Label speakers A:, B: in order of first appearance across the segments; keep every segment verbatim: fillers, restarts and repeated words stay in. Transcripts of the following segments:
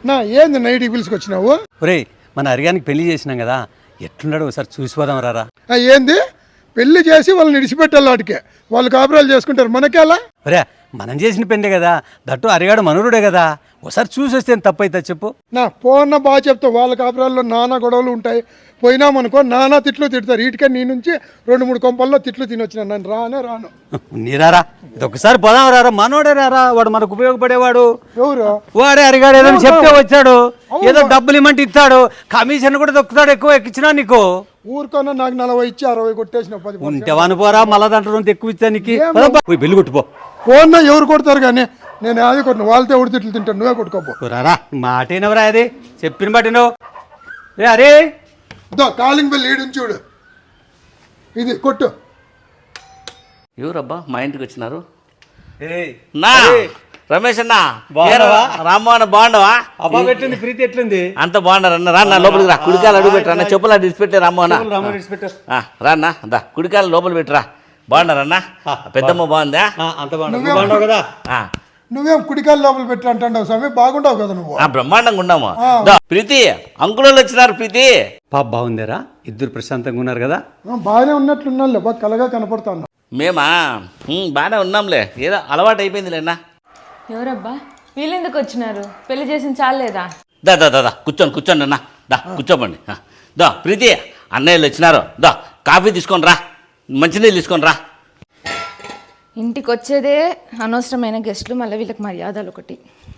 A: నా ఏంది నైట్కి పిలుచుకొచ్చినావు?
B: ఒరే మన అరిగానికి పెళ్లి చేసినాం కదా, ఎట్లున్నాడు ఒకసారి చూసిపోదాం రారా.
A: ఏంది పెళ్లి చేసి వాళ్ళని విడిచిపెట్టాలి, వాటికే వాళ్ళు కాపురాలు చేసుకుంటారు, మనకేలా?
B: ఒరే మనం చేసిన పెళ్ళే కదా, దట్టు అరిగాడు మనూరుడే కదా, ఒకసారి చూసి వస్తే తప్పైతే చెప్పు.
A: నా పోన్న బాగా చెప్తావు, వాళ్ళ కాపురాల్లో నానా గొడవలు ఉంటాయి, పోయినామనుకో నానా తిట్లు తిడతారు. వీటికే నీ నుంచి రెండు మూడు కొంపల్లో తిట్లు తినొచ్చిన, నన్ను రానే రాను.
B: నీరారా ఇది ఒకసారి పోదాం రారా, మనోడే రారా, వాడు మనకు ఉపయోగపడేవాడు.
A: ఎవరు
B: వాడే అరిగాడు, ఏదో చెప్తే వచ్చాడు, ఏదో డబ్బులు ఇమ్మంటే ఇస్తాడు, కమిషన్ కూడా దొక్కుతాడు, ఎక్కువ ఎక్కించినా నీకు.
A: ఊరుకోనా నాకు నలభై ఇచ్చి అరవై కొట్టేసిన పది
B: ఉంటేవాను పోరా, మళ్ళా దాంట్లో ఎక్కువ ఇచ్చా నీకు. బిల్లు కొట్టుపో.
A: పోన్నా ఎవరు కొడతారు కానీ నేను అది కొట్టిన, వాళ్ళతో ఎవరు తిట్లు తింటాను, నువ్వే కొట్టుకోపో.
B: రారా మాటేనవరా, అది చెప్పిన మాటేనో. ఏ అరే
A: కాలింగ్ బెల్ ఈడు చూడు, ఇది కొట్టు.
C: ఎవరబ్బా మా ఇంటికి వచ్చినారు?
B: నా
C: రమేష్ అన్న, రామ్మోహన్ బాగుండవా?
B: అబ్బా పెట్టింది ప్రీతి ఎట్లుంది?
C: అంత బాగున్నారు అన్న. రా నా లోపలికి రా, కుడికాయలు అడుగు పెట్టరా, చెప్పులు అడిగి పెట్టే రామ్మోహన్. రాన్నా దా, కుడికాయలు లోపల పెట్టరా. బాగున్నారన్నా? పెద్దమ్మ బాగుందా?
B: అంత బాగుండవు కదా.
A: నువ్వేం కుడికాయలు లోపల పెట్టి అంటావు స్వామి, బాగుండవు కదా నువ్వు?
C: బ్రహ్మాండంగా ఉన్నాము. ప్రీతి అంకుల్ వచ్చినారు. ప్రీతి
B: పాప బాగుందేరా, ఇద్దరు ప్రశాంతంగా ఉన్నారు కదా?
A: బాగానే ఉన్నట్లున్నా, బాగా కలగా కనపడుతున్నా.
C: మేమా బాగానే ఉన్నాంలే, ఏదో అలవాటు అయిపోయిందిలేనా.
D: ఎవరబ్బా వీళ్ళెందుకు వచ్చినారు? పెళ్లి చేసిన చాలేదా?
C: దా దా దా కూర్చోండి కూర్చోండి అన్న, దా కూర్చోబండి. దా ప్రీతి అన్నయ్యలు వచ్చినారు, దా కాఫీ తీసుకొని రా, మంచినీళ్ళు తీసుకొని రా.
D: ఇంటికి వచ్చేదే అనవసరమైన గెస్టులు, మళ్ళీ వీళ్ళకి మర్యాదలు ఒకటి.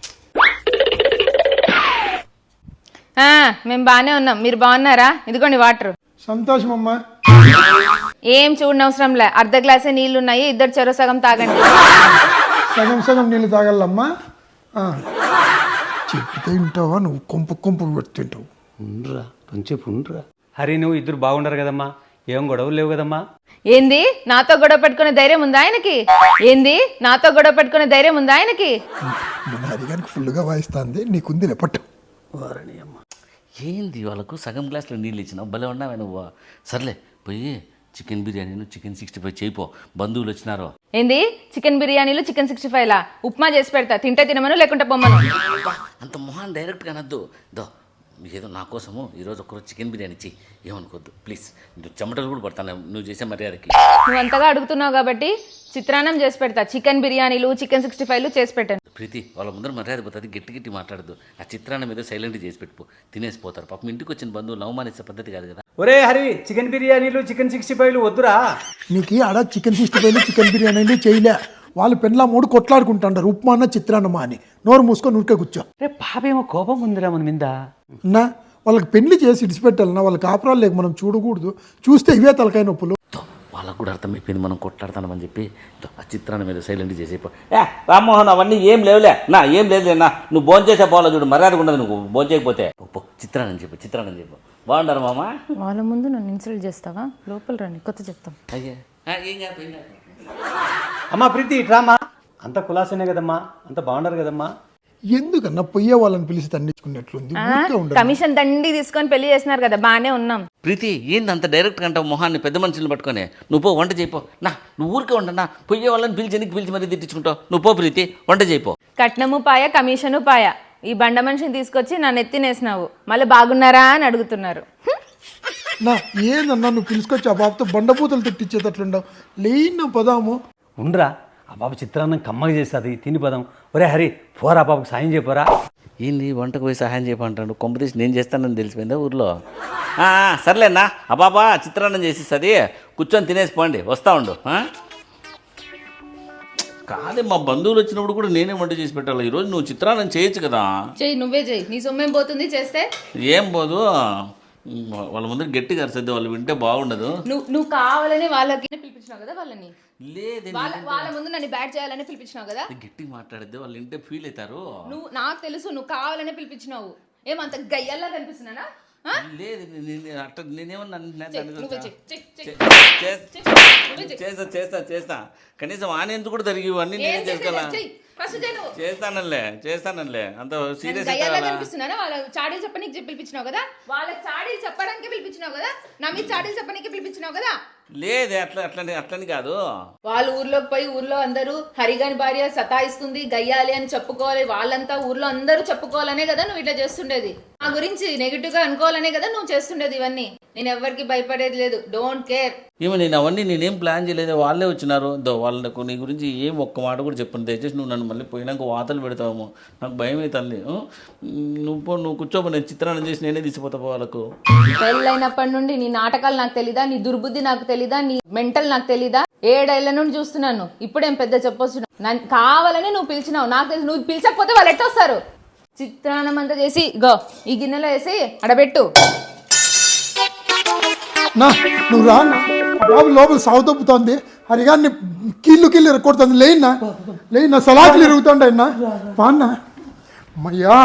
D: మేము బాగానే ఉన్నాం, మీరు బాగున్నారా? ఇదిగోండి వాటర్.
A: సంతోషం అమ్మా.
D: ఏం చూడనవసరంలే, అర్ధ గ్లాసే నీళ్లు ఉన్నాయి, ఇద్దరు చెరో సగం తాగండి.
A: సగం సగం నీళ్ళు తాగలమ్మా. చెప్తే వింటావా నువ్వు? కొంపు కొంపు పెడుతుంటావు.
B: ఉండరా కొంచెంసేపు ఉండరా. హరి నువ్వు ఇద్దరు బాగుండరు కదమ్మా, ఏం గొడవలు లేవు కదమ్మా?
D: ఏంది నాతో గొడవ పెట్టుకునే ధైర్యం ఉందా ఆయనకి? ఏంది నాతో గొడవ పెట్టుకునే ధైర్యం ఉందా ఆయనకి?
A: మన హరిగానికి ఫుల్గా వాయిస్తుంది, నీకుంది లేపట్టు.
C: ఏంది వాళ్ళకు సగం గ్లాసులో నీళ్ళు ఇచ్చినావు, భలే ఉన్నావే నువ్వు. సర్లే పోయి చికెన్ బిర్యానీను చికెన్ సిక్స్టీ ఫైవ్ చేయిపో, బంధువులు వచ్చినారు.
D: ఏంది చికెన్ బిర్యానీలు చికెన్ సిక్స్టీ ఫైవ్ లా? ఉప్మా చేసి పెడతా, తింటే తినమను లేకుంటే పొమ్మను.
C: అంత మొహాన్ డైరెక్ట్గా అనద్దు. దో ఏదో నా కోసము ఈరోజు ఒకరోజు చికెన్ బిర్యానీ చెయ్యి, ఏమనుకోద్దు ప్లీజ్. చెమటలు కూడా పడతాను నువ్వు చేసే మర్యాదకి.
D: నువ్వు అంతగా అడుగుతున్నావు కాబట్టి చిత్రాన్నం చేసి పెడతా, చికెన్ బిర్యానీలు చికెన్ సిక్స్టీ ఫైవ్లు చేసి పెట్టాను.
C: ప్రీతి వాళ్ళ ముందర మర్యాద పోతుంది, గట్టి గట్టి మాట్లాడదు. ఆ చిత్రాన్నం ఏదో సైలెంట్ చేసి పెట్టుకో, తినేసిపోతారు. పాపం ఇంటికి వచ్చిన బంధువులు అవమానించే పద్ధతి కాదు కదా.
B: ఒరే హరి చికెన్ బిర్యానీలు చికెన్ సిక్స్టీ ఫైవ్లు వద్దురా.
A: నీకు ఆడ చికెన్ సిక్స్టీ ఫైవ్లు చికెన్ బిర్యానీలు చేయలే, వాళ్ళు పెళ్ళ మూడు కొట్లాడుకుంటారు, ఉప్మా అన్న చిత్రాన్నమా అని. నోరు మూసుకొని ఉరికే కూర్చో.
B: రే పాపేమో కోపం ఉందిరా మన మీద.
A: నా వాళ్ళకి పెళ్లి చేసి ఇడిచిపెట్టాలన్నా, వాళ్ళ కాపురాలు లేక మనం చూడకూడదు, చూస్తే ఇవే తలకాయ నొప్పులు.
C: వాళ్ళకు కూడా అర్థమైపోయింది మనం కొట్లాడతామని చెప్పి. ఆ చిత్రాన్ని మీద సైలెంట్ చేసేపో. ఏ రామ్మోహన్ అవన్నీ ఏం లేవులే నా, ఏం లేదులేనా, నువ్వు భోజనం చేసే పోవాలి చూడు, మర్యాద ఉండదు నువ్వు భోజనం చేయకపోతే. చిత్రాన్ని చెప్పు చిత్రాన్ని చెప్పు. బాగుంటారు మామ.
D: వాళ్ళ ముందు నన్ను ఇన్సల్ట్ చేస్తావా? లోపల రండి కొత్త చెప్తాం.
C: అయ్యా ఏం కాదు ఏం కాదు.
B: అమ్మా ప్రీతి ఇట్రామా, అంత కులాసనే కదమ్మా, అంత బాగుండరు కదమ్మా.
A: ఎందుకన్నా పొయ్యే వాళ్ళని పిలిచి తండించుకున్నట్లుంది.
D: కమిషన్ దండి తీసుకొని పెళ్లి చేసినారు కదా, బాగానే ఉన్నాం.
C: ప్రీతి ఏంది అంత డైరెక్ట్ అంటావు మొహాన్ని, పెద్ద మనుషులు పట్టుకొని. నువ్వు పో వంట చేయిపో. నా నువ్వు ఊరికే ఉండనా, పొయ్యే వాళ్ళని పిలిచి ఎనికి పిలిచి మరీ తిట్టించుకుంటావు. నువ్వు పో ప్రీతి వంట చేయిపో.
D: కట్నము పాయ కమిషను పాయ, ఈ బండ మనిషిని తీసుకొచ్చి నన్ను ఎత్తినేసినావు, మళ్ళీ బాగున్నారా అని అడుగుతున్నారు.
A: నా ఏందన్నా నువ్వు పిలుచుకొచ్చి ఆ బాబుతో బండపూతలు తిట్టించేటట్లుండవు, లేన పదాము.
B: ఉండరా ఆ బాబు చిత్రాన్నం కమ్మగా చేస్తుంది, తిని పదం. ఒరే హరి పోరా బాబుకి సాయం చేయపోరా.
C: ఏంది వంటకు పోయి సహాయం చేయమంటాడు, కొంపతీసి నేను చేస్తానని తెలిసిపోయిందా ఊర్లో. సర్లేనా ఆ బాబా చిత్రాన్నం చేసిస్తుంది, కూర్చొని తినేసి పోండి, వస్తా ఉండు. కాదే మా బంధువులు వచ్చినప్పుడు కూడా నేనే వంట చేసి పెట్టాలి, ఈరోజు నువ్వు చిత్రాన్నం చేయొచ్చు కదా.
D: చెయ్యి, నువ్వే చెయ్యి, నీ సొమ్మేం పోతుంది చేస్తే.
C: ఏం పోదు, వాళ్ళ ముందర గట్టిగా అరిసద్దు, వాళ్ళు వింటే బాగుండదు.
D: నువ్వు నువ్వు కావాలని వాళ్ళకి పిలిపించినావు కదా, వాళ్ళని
C: లేదు
D: వాళ్ళ ముందు నన్ను బ్యాట్ చేయాలని పిలిపించినావు కదా.
C: గట్టిగా మాట్లాడితే వాళ్ళు వింటే ఫీల్ అవుతారు.
D: నువ్వు నాకు తెలుసు, నువ్వు కావాలనే పిలిపించినావు. ఏమంత గయ్యల్లా కనిపిస్తున్నానా?
C: లేదు అట్లా నేనేమన్నా
D: చేస్తా
C: చేస్తా చేస్తా చేస్తా కనీసం ఆనేందుకు కూడా జరిగి ఇవన్నీ నేను చేసుకోవాలా.
D: ఫస్ట్ చేయి నువ్వు.
C: చేస్తానలే చేస్తానలే అంత సీరియస్
D: గయ్యాలా కనిపిస్తున్నానా? వాళ్ళ చాడీలు చెప్పనీకి పిలిపించినావు కదా, వాళ్ళ చాడీలు చెప్పడానికి పిలిపించినావు కదా, నా మీద చాడీలు చెప్పనీకి పిలిపించినావు కదా.
C: లేదే అట్లా అట్లని అట్లని కాదు.
D: వాళ్ళ ఊర్లోకి పోయి ఊర్లో అందరూ హరిగాని భార్య సతాయిస్తుంది గయ్యాలి అని చెప్పుకోవాలి, వాళ్ళంతా ఊర్లో అందరూ చెప్పుకోవాలనే కదా నువ్వు ఇట్లా చేస్తుండేది. నా గురించి నెగిటివ్ గా అనుకోవాలనే కదా నువ్వు చేస్తుండేది ఇవన్నీ. నేను ఎవరికి భయపడేది లేదు, డోంట్ కేర్.
C: ఏమో నేను అవన్నీ నేనేం ప్లాన్ చేయలేదు, వాళ్ళే వచ్చినారు. దో వాళ్ళకు నీ గురించి ఏం ఒక్క మాట కూడా చెప్పను. దయచేసి నువ్వు నన్ను మళ్ళీ పోయినాక వాతలు పెడతావేమో, నాకు భయం అవుతుంది. నువ్వు పో, నువ్వు కూర్చోపో, నేను చిత్రాన్ని చేసి నేనే తీసిపోతా వాళ్ళకు.
D: పెళ్ళైనప్పటి నుండి నీ నాటకాలు నాకు తెలీదా, నీ దుర్బుద్ధి నాకు తెలీదా, నీ మెంటల్ నాకు తెలీదా? ఏడేళ్ల నుండి చూస్తున్నాను, ఇప్పుడేం పెద్ద చెప్పొచ్చు. నన్ను కావాలని నువ్వు పిలిచినావు, నాకు తెలుసు. నువ్వు పిలిచకపోతే వాళ్ళు ఎట్టొస్తారు? చిత్రాన్నం అంతా చేసి గో ఈ గిన్నెలో వేసి అడబెట్టు.
A: నా నువ్వు రా అన్న. బాబు లోపల సాగు తప్పుతోంది, హరిగాన్ని కీళ్ళు కీళ్ళు కొడుతుంది. లేయినా లేయినా సలాకులు ఇరుగుతుండే అన్న. బాన్నా అమ్మయ్యా.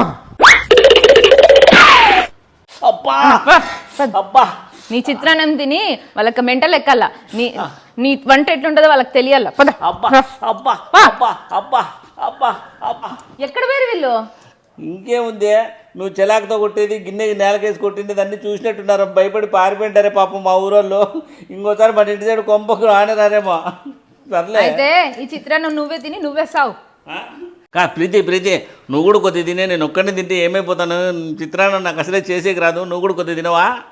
C: అబ్బా అబ్బా
D: నీ చిత్రాన్నం తిని వాళ్ళకి మెంటల్ ఎక్కాల, నీ నీ వంట ఎట్లుంటుందో వాళ్ళకి తెలియాల. పద.
C: అబ్బా అబ్బా అబ్బా అబ్బా అబ్బా అబ్బా.
D: ఎక్కడ వేరు వీళ్ళు?
C: ఇంకేముంది, నువ్వు చెలాకుతో కొట్టేది, గిన్నె నేలకేసి కొట్టింది అన్నీ చూసినట్టున్నారు, భయపడి పారిపోయింటారే పాపం మా ఊరోళ్ళు. ఇంకోసారి మన ఇంటి సైడ్ కొంపకు రానేరారేమో. సర్లే
D: అయితే ఈ చిత్రాన్నం నువ్వే తిని నువ్వే సావు.
C: కా ప్రీతి ప్రీతి నువ్వు కూడా కొద్ది తినే, నేను ఒక్కడిని తింటే ఏమైపోతాను. చిత్రాన్ని నాకు అసలే చేసేకి రాదు, నువ్వు కూడా కొద్ది తినవా?